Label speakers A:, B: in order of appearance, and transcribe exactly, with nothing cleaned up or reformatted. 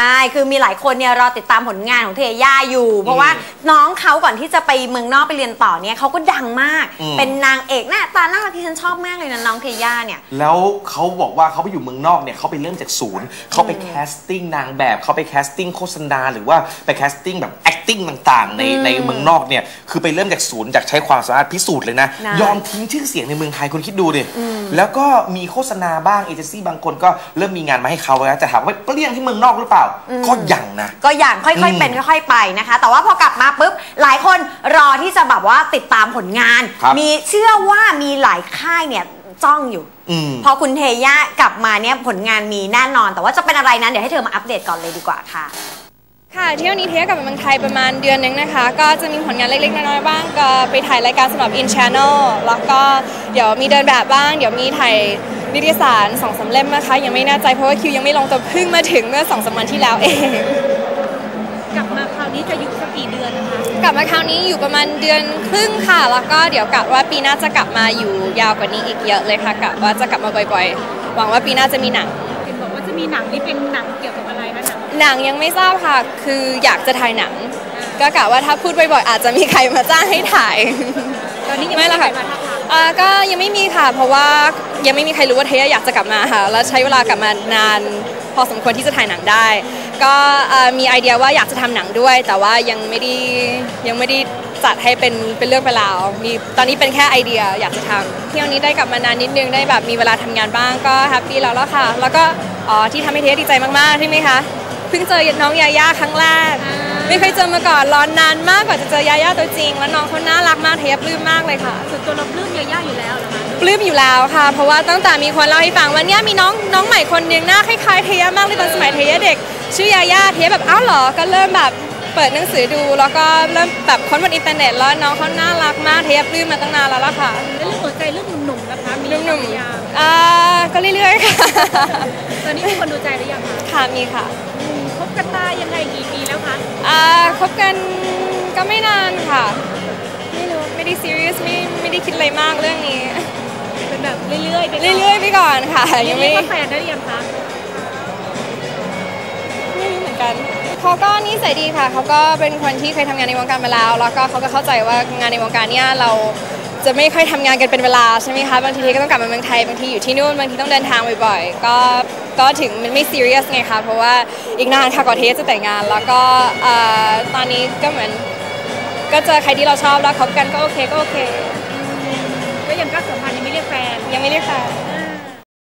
A: ใช่คือมีหลายคนเนี่ยรอติดตามผลงานของเทย่าอยู่เพราะว่าน้องเขาก่อนที่จะไปเมืองนอกไปเรียนต่อเนี่ยเขาก็ดังมากเป็นนางเอกหน้าตาน่ารักที่ฉันชอบมากเลยนะน้องเทย่าเนี่ย
B: แล้วเขาบอกว่าเขาไปอยู่เมืองนอกเนี่ยเขาไปเริ่มจากศูนย์เขาไปแคสติ้งนางแบบเขาไปแคสติ้งโฆษณาหรือว่าไปแคสติ้งแบบ acting ต่างๆในในเมืองนอกเนี่ยคือไปเริ่มจากศูนย์จากใช้ความสามารถพิสูจน์เลยนะยอมทิ้งชื่อเสียงในเมืองไทยคุณคิดดูดิแล้วก็มีโฆษณาบ้างเอเจนซี่บางคนก็เริ่มมีงานมาให้เขาแล้วจะถามว่าเปรี้ยงที่เมืองนอกหรือเปล่าก็ยังนะ
A: ก็ยังค่อยๆเป็นค่อยๆไปนะคะแต่ว่าพอกลับมาปุ๊บหลายคนรอที่จะแบบว่าติดตามผลงานมีเชื่อว่ามีหลายค่ายเนี่ยจ้องอยู่พอคุณเทย่ากลับมาเนี่ยผลงานมีแน่นอนแต่ว่าจะเป็นอะไรนั้นเดี๋ยวให้เธอมาอัปเดตก่อนเลยดีกว่าค่ะ
C: ค่ะเที่ยวนี้เทย่ากลับมาเมืองไทยประมาณเดือนนึงนะคะก็จะมีผลงานเล็กๆน้อยๆบ้างก็ไปถ่ายรายการสำหรับ In Channel แล้วก็เดี๋ยวมีเดินแบบบ้างเดี๋ยวมีถ่ายนิตยสารสองสามเล่มนะคะยังไม่แน่ใจเพราะว่าคิวยังไม่ลงแต่เพิ่งมาถึงเมื่อสองสามวันที่แล้วเอง
D: กลับมาคราวนี้จะอยู่สักกี่เดือนนะคะ
C: กลับมาคราวนี้อยู่ประมาณเดือนครึ่งค่ะแล้วก็เดี๋ยวกะว่าปีหน้าจะกลับมาอยู่ยาวกว่านี้อีกเยอะเลยค่ะกะว่าจะกลับมาบ่อยๆหวังว่าปีหน้าจะมีหนัง
D: เห็นบอกว่าจะมีหนังนี่เป็นหนังเกี่ยวกับอะไรคะหนัง
C: หนังยังไม่ทราบค่ะคืออยากจะถ่ายหนังก็กะว่าถ้าพูดบ่อยๆอาจจะมีใครมาจ้างให้ถ่าย
D: ตอนนี้ยังไม่ละค่ะ
C: ก็ยังไม่มีค่ะเพราะว่ายังไม่มีใครรู้ว่าเทย่าอยากจะกลับมาค่ะแล้วใช้เวลากลับมานานพอสมควรที่จะถ่ายหนังได้ก็มีไอเดียว่าอยากจะทำหนังด้วยแต่ว่ายังไม่ได้ยังไม่ได้จัดให้เป็นเป็นเรื่องเป็นราวมีตอนนี้เป็นแค่ไอเดียอยากจะทำเที่ยวนี้ได้กลับมานานนิดนึงได้แบบมีเวลาทำงานบ้างก็แฮปปี้แล้วแล้วค่ะแล้วก็อ๋อที่ทำให้เทย่าดีใจมากๆใช่ไหมคะเพิ่งเจอน้องยาย่าครั้งแรกไม่เคยเจอมาก่อนรอนนานมากกว่าจะเจอยาย่าตัวจริงแล้วน้องเขาน่ารักมากเทย่าปลื้มมากเลยค่ะ
D: ส่วนตัวเราปลื้มยาย่าอยู่แล้วเหรอคะ
C: ปลื้มอยู่แล้วค่ะเพราะว่าตั้งแต่มีคนเล่าให้ฟังว่าเนี่ยมีน้องน้องใหม่คนนึงหน้าคล้ายๆเทย่ามากเลยตอนสมัยเทย่าเด็กชื่อยาย่าเทย่าแบบอ้าวเหรอก็เริ่มแบบเปิดหนังสือดูแล้วก็เริ่มแบบค้นบนอินเทอร์เน็ตแล้วน้องเขาน่ารักมากเทย่าปลื้มมาตั้งนานแล้วล่ะค่ะ
D: แล้วเรื่องหัวใจเรื่องหนุ่มๆนะคะมี
C: หนุ่มๆอ่าก็เรื่อยๆค่ะ
D: ตอนนี้มีคนดูใจหรือยังคะ
C: ค่ะมีค่ะ
D: คบกันมายังไงกี่ปีแล้วคะ
C: อ่าคบกันก็ไม่นานค่ะไม่รู้ไม่ได้ซีเรียสไม่ไม่ได้คิดอะไรมากเรื่องนี้
D: เป็นแบบเรื่อยๆไป
C: เรื่อยๆไปก่อนค่ะ
D: ยังไม่แฟนได้ยังคะ
C: ไม่รู้เหมือนกันเขาก็นิสัยดีค่ะเขาก็เป็นคนที่เคยทำงานในวงการมาแล้วแล้วก็เขาก็เข้าใจว่างานในวงการเนี้ยเราจะไม่ค่อยทำงานกันเป็นเวลาใช่ไหมคะบางทีก็ต้องกลับมาเมืองไทยบางทีอยู่ที่นู่นบางทีต้องเดินทางบ่อยๆก็ก็ถึงมันไม่ซีเรียสไงคะเพราะว่าอีกนานค่ะก่อนที่จะแต่งงานแล้วก็ตอนนี้ก็เหมือนก็เจอใครที่เราชอบแล้วคบกันก็โอเคก็โอเค
D: ก็ยังก็สัมพันธ์ยังไม่เรียกแฟน
C: ยังไม่เรียกแฟน